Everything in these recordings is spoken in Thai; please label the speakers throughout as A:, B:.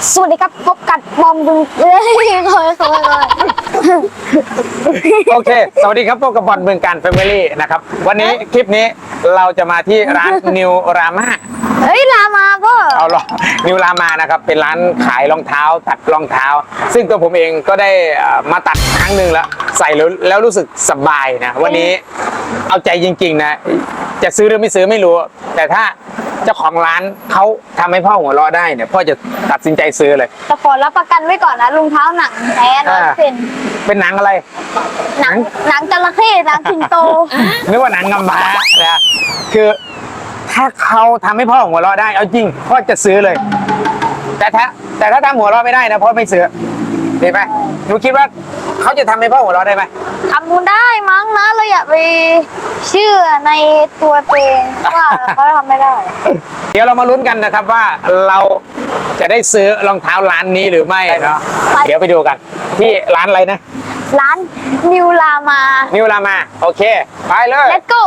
A: สวัสดีครับพบกับบอมบึง
B: โอเคสวัสดีครับพบกับบอลเมืองการแฟมิลี่นะครับวันนี้คลิปนี้เราจะมาที่ร้านนิวรามา
A: เฮ้ยรามาก็
B: เอาหรอนิวรามานะครับเป็นร้านขายรองเท้าตัดรองเท้าซึ่งตัวผมเองก็ได้มาตัดครั้งหนึ่งแล้วใส่แล้วรู้สึกสบายนะวันนี้เอาใจจริงๆนะจะซื้อหรือไม่ซื้อไม่รู้แต่ถ้าเจ้าของร้านเขาทำให้พ่อหัวเราะได้เนี่ยพ่อจะตัดสินใจซื้อเลย
A: แต่ขอรับประกันไว้ก่อนนะรองเท้าหนังแท้100%
B: เป็นหนังอะไร
A: หนังจระเข้หนังสิงโต
B: นึกว่าหนังกำพร้านะคือถ้าเขาทำให้พ่อหัวเราะได้เอาจริงพ่อจะซื้อเลยแต่ถ้าทำหัวเราะไม่ได้นะพ่อไม่ซื้อเห็นไหมหนูคิดว่าเขาจะทำให้พ่อหัวเราะได้ไหม
A: ทำบุญได้มั้งนะเราอย่าไปเชื่อในตัวเองว่าเขาทำไม่ได้
B: เดี๋ยวเรามาลุ้นกันนะครับว่าเราจะได้ซื้อรองเท้าร้านนี้หรือไม่เนาะเดี๋ยวไปดูกันที่ร้านอะไรนะ
A: ร้านนิวรา
B: มาโอเคไปเลย
A: Let's go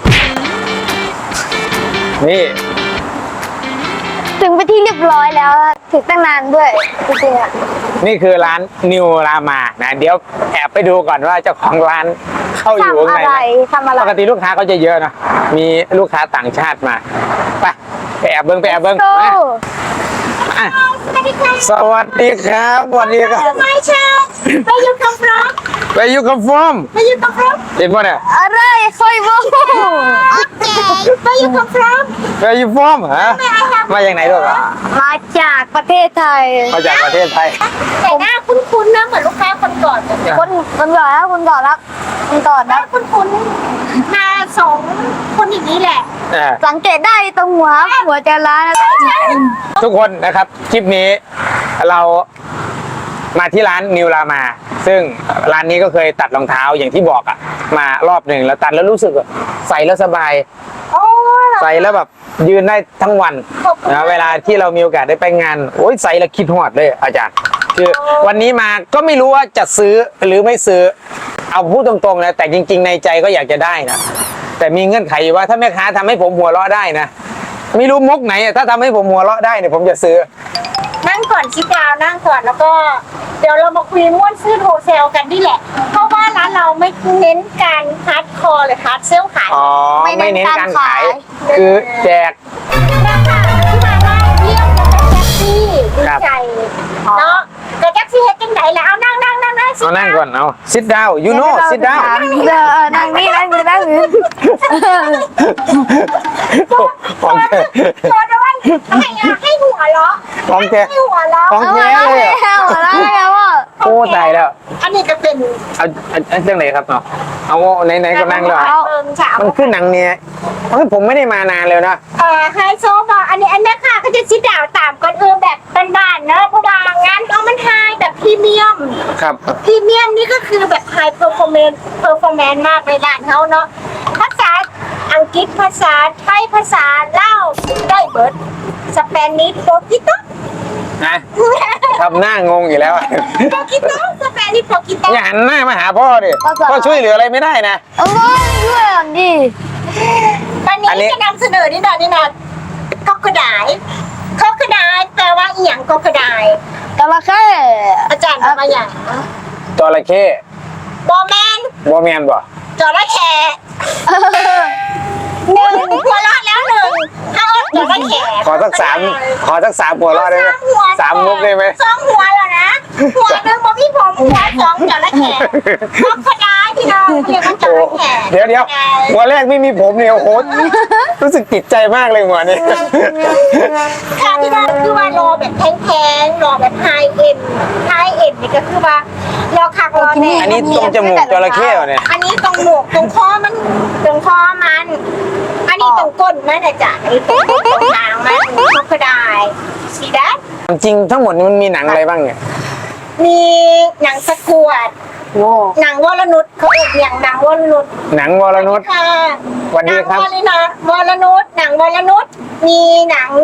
B: นี่
A: ถึงไปที่เรียบร้อยแล้วถึงตั้งนานด้วยจริงๆอ่ะ
B: นี่คือร้านนิวรามานะเดี๋ยวแอบไปดูก่อนว่าเจ้าของร้านเข้าอยู่ข้างใน
A: ทำอะไร
B: ปกติลูกค้าเขาจะเยอะนะมีลูกค้าต่างชาติมาไปแอบเบิ้งสวัสดีครับวันนี้ครับ
A: ไม่ใช่ไปอยู่กับพร้อม
B: เห็นป่ะเนี่ย
A: อะไรค่อยบอกโอเคไปอยู่กับพร้อม
B: ฮะมาจากไหนด้วย
A: มาจากประเทศไทย
C: แต่หน้าคุ้นๆนะเหมือนลูกค้าคนก่อน
A: คนก่อนนะคุ้น
C: มา2 คนอย่างนี้แหละ
A: สังเกตได้ตรงหัวจะร้าน
B: ทุกคนนะครับคลิปนี้เรามาที่ร้านนิวรามาซึ่งร้านนี้ก็เคยตัดรองเท้าอย่างที่บอกอะมารอบหนึ่งแล้วตัดแล้วรู้สึกใส่แล้วสบายใส่แล้วแบบยืนได้ทั้งวันนะเวลาที่เรามีโอกาสได้ไปงานโอ้ยใส่แล้วคิดหอดเลยอาจารย์คือวันนี้มาก็ไม่รู้ว่าจะซื้อหรือไม่ซื้อเอาพูดตรงๆนะแต่จริงๆในใจก็อยากจะได้นะแต่มีเงื่อนไขอยู่ว่าถ้าแม่ค้าทำให้ผมหัวเราะได้นะไม่รู้มุกไหนถ้าทำให้ผมหัวเราะได้เนี่ยผมจะซื้อ
C: นั่งก่อนชิดาวนั่งก่อนแล้วก็เดี๋ยวเรามาคุยม้วนซื้อโฮเซลกันนี่แหละเพราะว่าร้านเราไม่เน้นการฮาร์ดคอร์หรือฮาร์ดเซลขาย
B: ไม่เน้นการขายคือแจก
C: ราคาที่มาได้เยี่ยมแล้วก็แท็กซี่ดีใจเนาะแต่แท็กซี่เฮ็ดจังไหนแล้วนั่ง
B: ก่อนเอาsit down you know sit down
A: นั่งนี่
B: ของแท้
C: พอด้วยให้หัวเราะ
B: ของแท้เลยโอ้ตายแล้ว
C: อันนี้ก็เป็น
B: เอาเรื่องไหนครับเนาะเอาไหนก็นั่งเลยมันขึ้นหนังเนี่ยผมไม่ได้มานานเลยนะ
C: ไฮโซบอกอันนี้แม่ค่ะก็จะชิดดาวตามก่อนแบบบ้านๆเนอะเพราะว่างานเอามันไฮแบบพรีเมียม
B: ครับ
C: พรีเมียมนี่ก็คือแบบไฮเพอร์ฟอร์แมนซ์มากในร้านเขาเนาะภาษาอังกฤษภาษาไทยภาษาลาวได้เบิร์ดสเปนิชโปรตุเกส
B: นะทำหน้างงอยู่แล้ว
C: โปรตุเกสสเปนิชโปรตุเกส
B: อย่าหันหน้ามาหาพ่อดิพ่อช่วยเหลืออะไรไม่ได้นะ
A: ช่วยดิ
C: วันนี้จะนำเสนอนี่นะก็กระดาษแปลว่าอีหยังก็กระดาษ
A: จระเข้
C: อาจารย์ทำมาอย่าง
B: จระเข้
C: บอแมน
B: บ่
C: จระเข้หัวเราะแล้วถ้าจระเข้
B: ขอสัก3หัวเราะได้ไหม3มุกได้ไหม
C: 2หัวแล้วนะหัวหนึ่งบอกพี่ผมหัว2จระเข้ก็กระดาษพี่น้องเรียกว่าจระเข้
B: เดี๋ยวหัวแรกไม่มีผมเนี่ยโอ้โหรู้สึกติดใจมากเลยหัวนี้
C: ค่ะพี่น้องคือว่ารอแบบแพงรอแบบไฮเอ็นนี่ก็คือว่ารอคักรอแน่
B: อันนี้ตรงจมูกจระเข้เนี่ย
C: อันนี้ตรงหมวกตรงคอมันอันนี้ตรงก้นมันนะจ๊ะอันนี้ตรงหางมันก็ได้สีแดง
B: จริงทั้งหมดมันมีหนังอะไรบ้างเนี่ย
C: มีหนังสกวดหนังวรนุชเขาเรียกอย่างหนังวรนุช
B: ค่ะวันนี้ครับ
C: วรนุชหนังวรนุชมีหนัง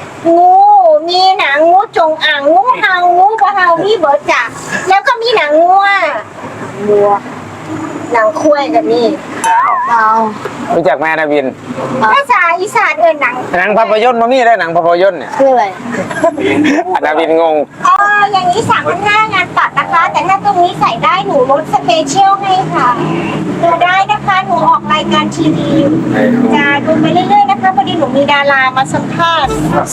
C: งูจงอ่างงูเห่างูปลาเห่ามีเบิร์ดจ้ะแล้วก็มีหนังงัวหนังคุ้ยกับนี่
A: เอา
B: รู้จักแม่นาวิน
C: ภาษาอีสานหนัง
B: หนังภาพยนตร์มามีได้หนังภาพยนตร์เนี่ย
A: คืออะไร
B: นาวินงง
C: อย่างนี้3,500งานตัดนะคะ แต่ถ้าตรงนี้ใส่ได้หนูลดสเปเชียลให้ค่ะดูได้นะคะหนูออกรายการทีวีจะดูไปเรื่อยๆนะคะพอดีหนูมีดารามาสัมภาษณ์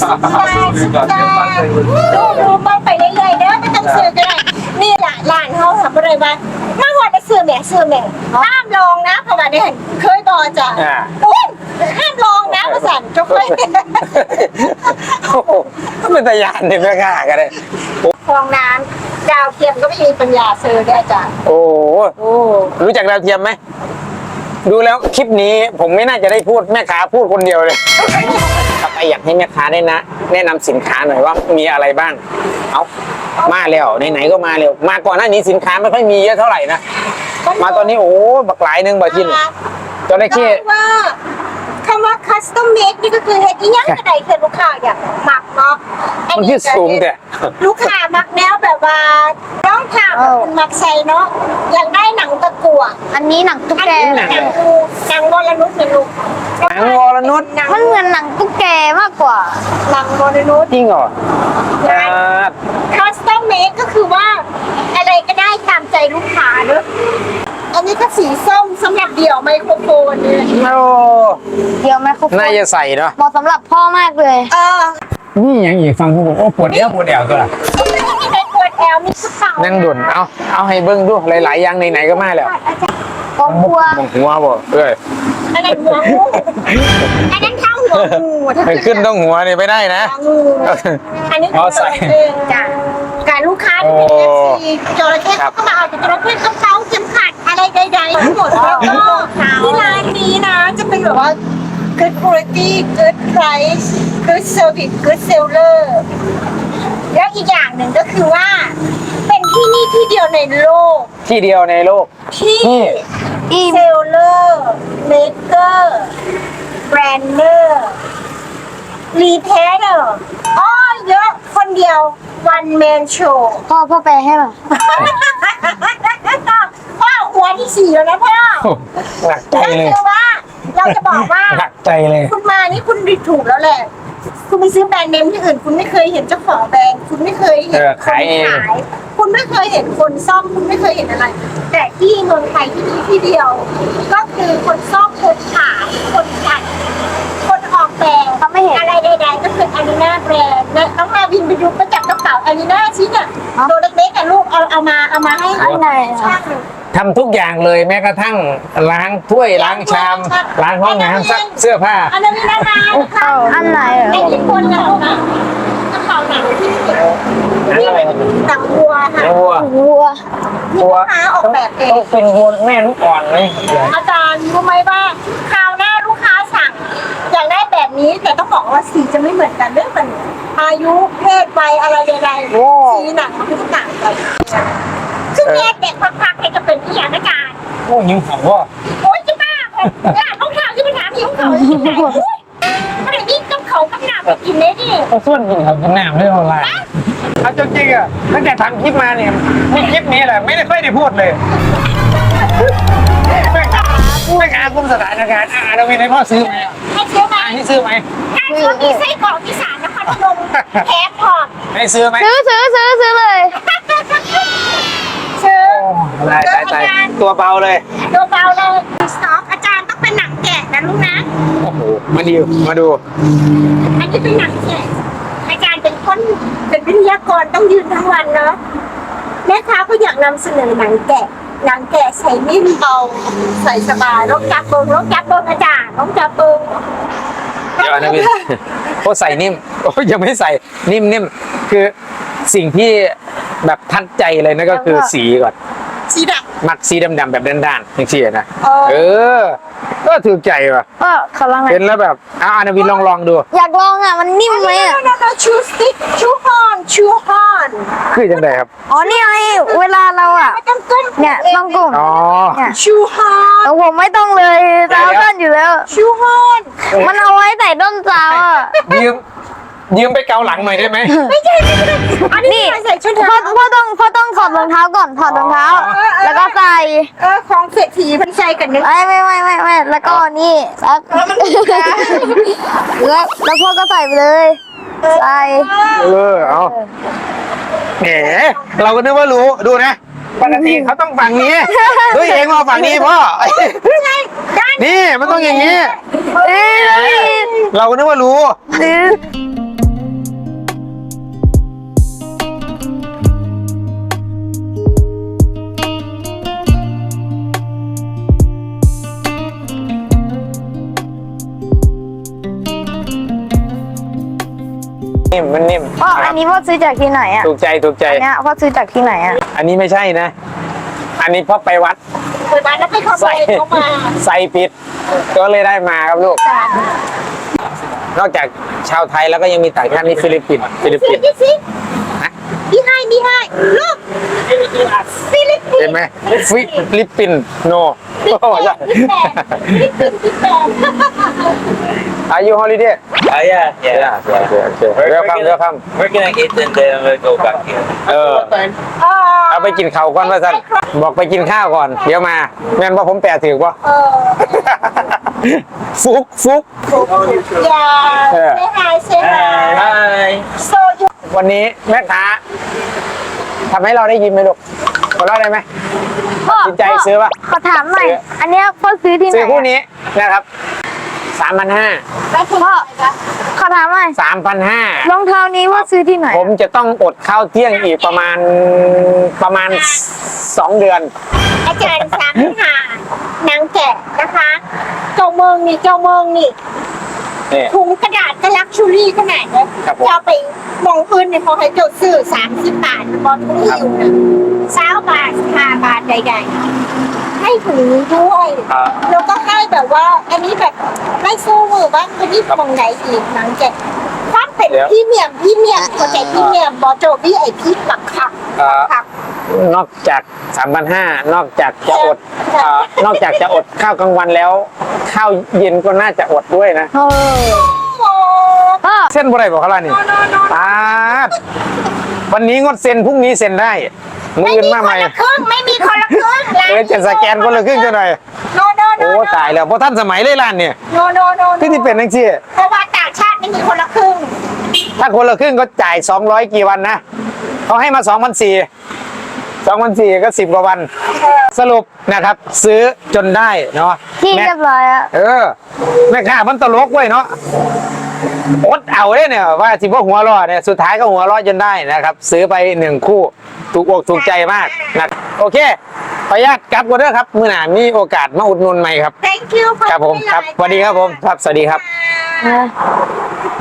C: ดูมองไปเรื่อยๆเด้อไม่ต้องซื้อก็ได้นี่แหละร้านเขาทำอะไรบ้างมาหัวจะซื้อแม่ห้ามลองนะเพราะว่าเนี่ยเคยบอกจ้ะอุ้ยห้ามลองนะภาษาจกเลย
B: โอ้โหเป็นตายานเนี่ยแม่ค้ากันเลย
C: ฟองน้ำดาวเทียมก็ไม่มีปัญญาซื้อได้อาจารย์
B: โอ้รู้จักดาวเทียมไหมดูแล้วคลิปนี้ผมไม่น่าจะได้พูดแม่ค้าพูดคนเดียวเลยต่อไปอยากให้แม่ค้าได้นะแนะนำสินค้าหน่อยว่ามีอะไรบ้างเอามาแล้วไหนๆก็มาเร็วมาก่อนหน้านี้สินค้าไม่ค่อยมีเยอะเท่าไหร่นะมาตอนนี้โอ้บักหลายหนึงบ่ทินจระเข้
C: ว่าคำว่า custom made นี่ก็คือเฮ็ดอีหยังก็ได้คือลูกค้าอยากมักเนาะ
B: มันที่สูงแต่
C: ลูกค้ามักแนวแบบว่าน้องผ้าแบบคุณมักใส่เนาะอยากได้หนังตะกั่ว
A: อันนี้หนังตุ๊ก
C: อัน
A: แก
C: นี้หนังวรนุชเนี่ยลูก
B: หนังวรนุช
A: มันเหมือนหนังตุ๊กแกมากกว่า
C: หนังวรนุช
B: จริงเหรอ
C: custom made ก็คือว่าอะไรก็ได้ตามใจลูกค้าเนอะอันนี้ก็สีส้มสำหรับเดี่ยวไมโครโฟนเนี่ย
B: โอ้
A: เดี๋ยวไมโครโฟน
B: น่าจะใส่เนาะ
A: เหมาะสำหรับพ่อมากเลย
B: นี่ยังอีกฟังผมโอ้ปวดเอวตัวละ
C: มีใครปวดแอวมีกระเป๋า
B: นั่งดุนเอาให้เบิ้งดูหลายๆอย่างไหนๆก็มาแล้ว
A: ครอบครัว
B: มองหัวบ่เอ้ย
C: อันนั้นหัวงูอันนั้นเท้าหัวงูถ้า
B: มันขึ้นต้องหัวนี่ไม่ได้นะ
C: หัวงูอันนี้
B: อ๋อใส่
C: จ้ะการลูกค้าที่เป็น FC จระเข้เขาก็มาเอาแต่จระเข้กระเป๋าเข็มขัดอะไรใดๆทั้งหมดแล้วก็ที่ร้านนี้นะจะเป็นแบบว่า good quality good price good service good seller แล้วอีกอย่างหนึ่งก็คือว่า เป็นที่นี่ที่เดียวในโลก
B: ที่เดียวในโลก
C: ที่
A: อีม
C: เซลเลอร์เมเกอร์แบรนเนอร์รีเพเดอร์อ๋อเยอะคนเดียว one man show
A: พ่อแปลให้หน่อย
C: พ่อหัวที่4แล้วนะพ่อ
B: หนักใจ
C: ก็
B: เลย
C: คือว่าเราจะบอกว่า
B: หนักใจเลย
C: คุณมานี่คุณดูถูกแล้วแหละ คุณไปซื้อแบรนด์เนมที่อื่น คุณไม่เคยเห็นเจ้าของแบรนด์ คุณไม่เคยเห็นคน
B: ขายเอง
C: ขาย คุณไม่เคยเห็นคนซ่อม คุณไม่เคยเห็นอะไร แต่ที่เมืองไทยที่นี่ที่เดียว ก็คือคนซ่อมคนขายคนตัดคนออกแบบ
A: เขาไม่เห็น
C: อะไรใดๆก็คืออารีนาแบรนด์และน้องมาวินไปดูประจับกระเป๋าอารีนาชิ้นอ่ะตัวเล็กๆอ่ะลูกเอามาให้
A: อันไหนอะ
C: ช่างเลย
B: ทำทุกอย่างเลยแม้กระทั่งล้างถ้วยล้างชามล้างห้องน้ำซักเสื้อผ้า
C: อันนั้นมีนานานะคะ
A: อันไหนเหร
C: ใน
A: อ
C: ญี่ปุ่นนะลูกนะกระเป๋าหนังที่
B: อะไรครับ
C: หนังวัวค่ะ
B: วัว
A: วัว
C: ที่ลูกค้าออกแบบเอง
B: ต้องเป็นวัวแม่ลูกอ่อนเลย
C: อาจารย์รู้ไหมว่าคราวหน้าลูกค้าสั่งอยากได้แบบนี้แต่ต้องบอกว่าสีจะไม่เหมือนกันเรื่องมันอายุเพศวัยอะไรใดๆสีหนังมันก็ต่างกันซึ่งแยกเด็กพักๆให้จะเป็นที่อย่างอาจารย์
B: โอ้ยิงหัว
C: โอ๊ยจะบ้าเลยร้านของข่าวจะไปถามหิวเขาจะกินไหนอุ้ยอะไรนี่กับเขากับหนาไปกินเลยดิ
B: เขาส่วนกินเขากินน้ำด้วยออนไลน์เอาจริงๆอ่ะตั้งแต่ทำคลิปมาเนี่ยมีคลิปนี้แหละไม่ได้ค่อยได้พูดเลยไม่กล้าคุมสถานการณ์เรามีในพ่อซื้อไหม
C: ให้ซื้อไหม
B: ให้ซื้อไหม
C: ถ้าเขามีไส้กรอกอีสานนครพนมแถมพอร์ต
B: ให้ซื้อไหม
A: ซื้อเลย
C: ซื้อ
B: ตายตัวเบาเลย
C: ตัวเบาเลยสต็อกอาจารย์ต้องเป็นหนังแกะนะลูกนะ
B: โอ้โหมาดู
C: อันนี้เป็นหนังแกะอาจารย์เป็นคนเป็นวิทยากรต้องยืนทั้งวันเนาะแม่ค้าก็อยากนำเสนอหนังแกะใส่นิ่มเบาใส่สบายรถจับเบิ้งอาจารย์รถจับเบิ้ง
B: เดี๋ยวนะพี่โอ้ใส่นิ่มโอ้ยังไม่ใส่นิ่มคือสิ่งที่แบบทัดใจเลยนั่นก็คือสีก่อน
C: สีด
B: มักสีดำๆแบบด้านๆอย่างที่นะ
C: ำ
B: เออ ก็ถูกใจว่ะ
A: ก็ขอลองหน่อย
B: เป็นแล้วแบบอานาวินลองดู
A: อยากลองอ่ะ มันนิ่มไหมอ่ะ
C: ชูสติ๊กชูฮอน
B: คือจังไดครับ
A: อ๋อ นี่ไง เวลาเราอ่ะ
C: ไม่ต้องก้ม
A: เนี่ยต้องกลุ่ม
B: อ๋อ
A: เนี่ย
C: ชูฮอน
A: แต่ผมไม่ต้องเลยเท้าสั้นอยู่แล้ว
C: ชูฮอน
A: มันเอาไว้ใส่ด้นเท้าอ่ะ
B: ยืมไปเกาหลังหน่อยได้ไหม
C: ไม่ใช่อันนี้ใส่ชุด
A: พ่อต้องถอดรองเท้าก่อนถอดรองเท้า แล้วก็ใส่
C: ของเศรษฐีมันใส่กันนึก
A: ไม่แล้วก็นี่แล้วพ่อก็ใส่ไปเลยใส่
B: เอาแหมเราก็นึกว่ารู้ดูนะปกติเขาต้องฝั่งนี้ด้วยเองมาฝั่งนี้พ่อนี่มันต้องอย่างนี้ เราก็นึกว่ารู้นิ่มมันนิ่ม
A: พ่ออันนี้พ่อซื้อจากที่ไหนอ่ะ
B: ถูกใจ
A: อันเนี้ยพ่อซื้อจากที่ไหนอ่ะ
B: อันนี้ไม่ใช่นะ อันนี้พ่อไปวัด
C: ไปบ้านแล้วไปขโม
B: ใส่
C: ยเขามา
B: ใส่ผิดก็เลยได้มาครับลูก นอกจากชาวไทยแล้วก็ยังมีต่างชาตินี่ฟิลิปปินส์
C: สิพี่ให้ลูกฟิลิปปินส์
B: เห็นไหมฟิลิปปินส์โนโอ้ใช่ Are you holiday?
D: Yeah.
B: Welcome.
D: We're gonna eat and then we'll go back here.
B: เอาไปกินข้าวก่อนว่าท่านบอกไปกินข้าวก่อน เดี๋ยวมาแม่นว่าผมแปลถือว่าฟุก
C: อย่าเซฮาย
D: Hi.
C: โซยู
B: วันนี้แม่ค้าทำให้เราได้ยินไหมลูกหัวเราะได้ไหม
A: พ่อ
B: ตัดสินใจซื้อปะ
A: ขอถามหน่อย อันเนี้ยพ่อซื้อที่ไหน
B: ซื้อคู่
A: อะ
B: นี้นะครับ
C: แล้วคุณ
A: พ่อขอถามหน่อย
B: 3,500
A: รองเท้านี้ว่าซื้อที่ไหน
B: ผมจะต้องอดข้าวเที่ยงอีกประมาณ2 เดือน
C: อาจารย์สามหานางแกะนะคะเจ้าเมืองนี่
B: นี่
C: ถุงกระดาษก็ลักชูรี่ขนาดนี้
B: ครับผม
C: จะเอาไปมองอื่นเนี่ยพอให้เจ้าซื้อ30 บาทบอลทุกหิวนะ20 บาท5 บาทใดๆให้ถุงนี้ด้วย แล้วก็ให้แบบว่า อันนี้แบบไม่สู้มือบ้างอันนี้ตรงไหนอีกนางแกะถ้าเป็นพรีเมียมเข้าใจพรีเมียมบอโจวี่ไอพีปักคัก
B: นอกจาก 3,500 นอกจากจะอดนอกจากจะอดข้าวกลางวันแล้ว ข้าวเย็นก็น่าจะอดด้วยนะ
A: เออพ่อ
B: เส้นบ่ได้บอกเขาล่ะนี่วันนี้งดเซ็นพรุ่งนี้เซ็นได้มืออื่นมาใหม่
C: ไม่มีคนละครึ่ง
B: จะสแกนคนละครึ่งจะหน่อย
C: โน
B: โอ้ตายแล้วเพราะท่านสมัยเลยร้านเนี่ย
C: โน
B: ที่ที่เป็นนังซี่
C: เพราะว่าต่างชาติไม่มีคนละครึ่ง
B: ถ้าคนละครึ่งก็จ่าย200กี่วันนะเขาให้มา2,400ก็10 กว่าวัน สรุปนะครับ ซื้อจนได้เนาะ
A: ที่เรียบร้อยอะ
B: แม่ค้ามันตลกไว้ยเนาะอดเอาเลยเนี่ยว่าที่ว่าหัวเรอดเนี่ยสุดท้ายก็หัวเรอดจนได้นะครับ ซื้อไป1 คู่ถูกอกถูกใจมากนะโอเคขออนุญาตกลับกันเด้อครับมื้อหน้ามีโอกาสมาอุดหนุนใหม่ครับ
C: thank you
B: ครับผมครับสวัสดีครับผมครับสวัสดีครับ
A: เออ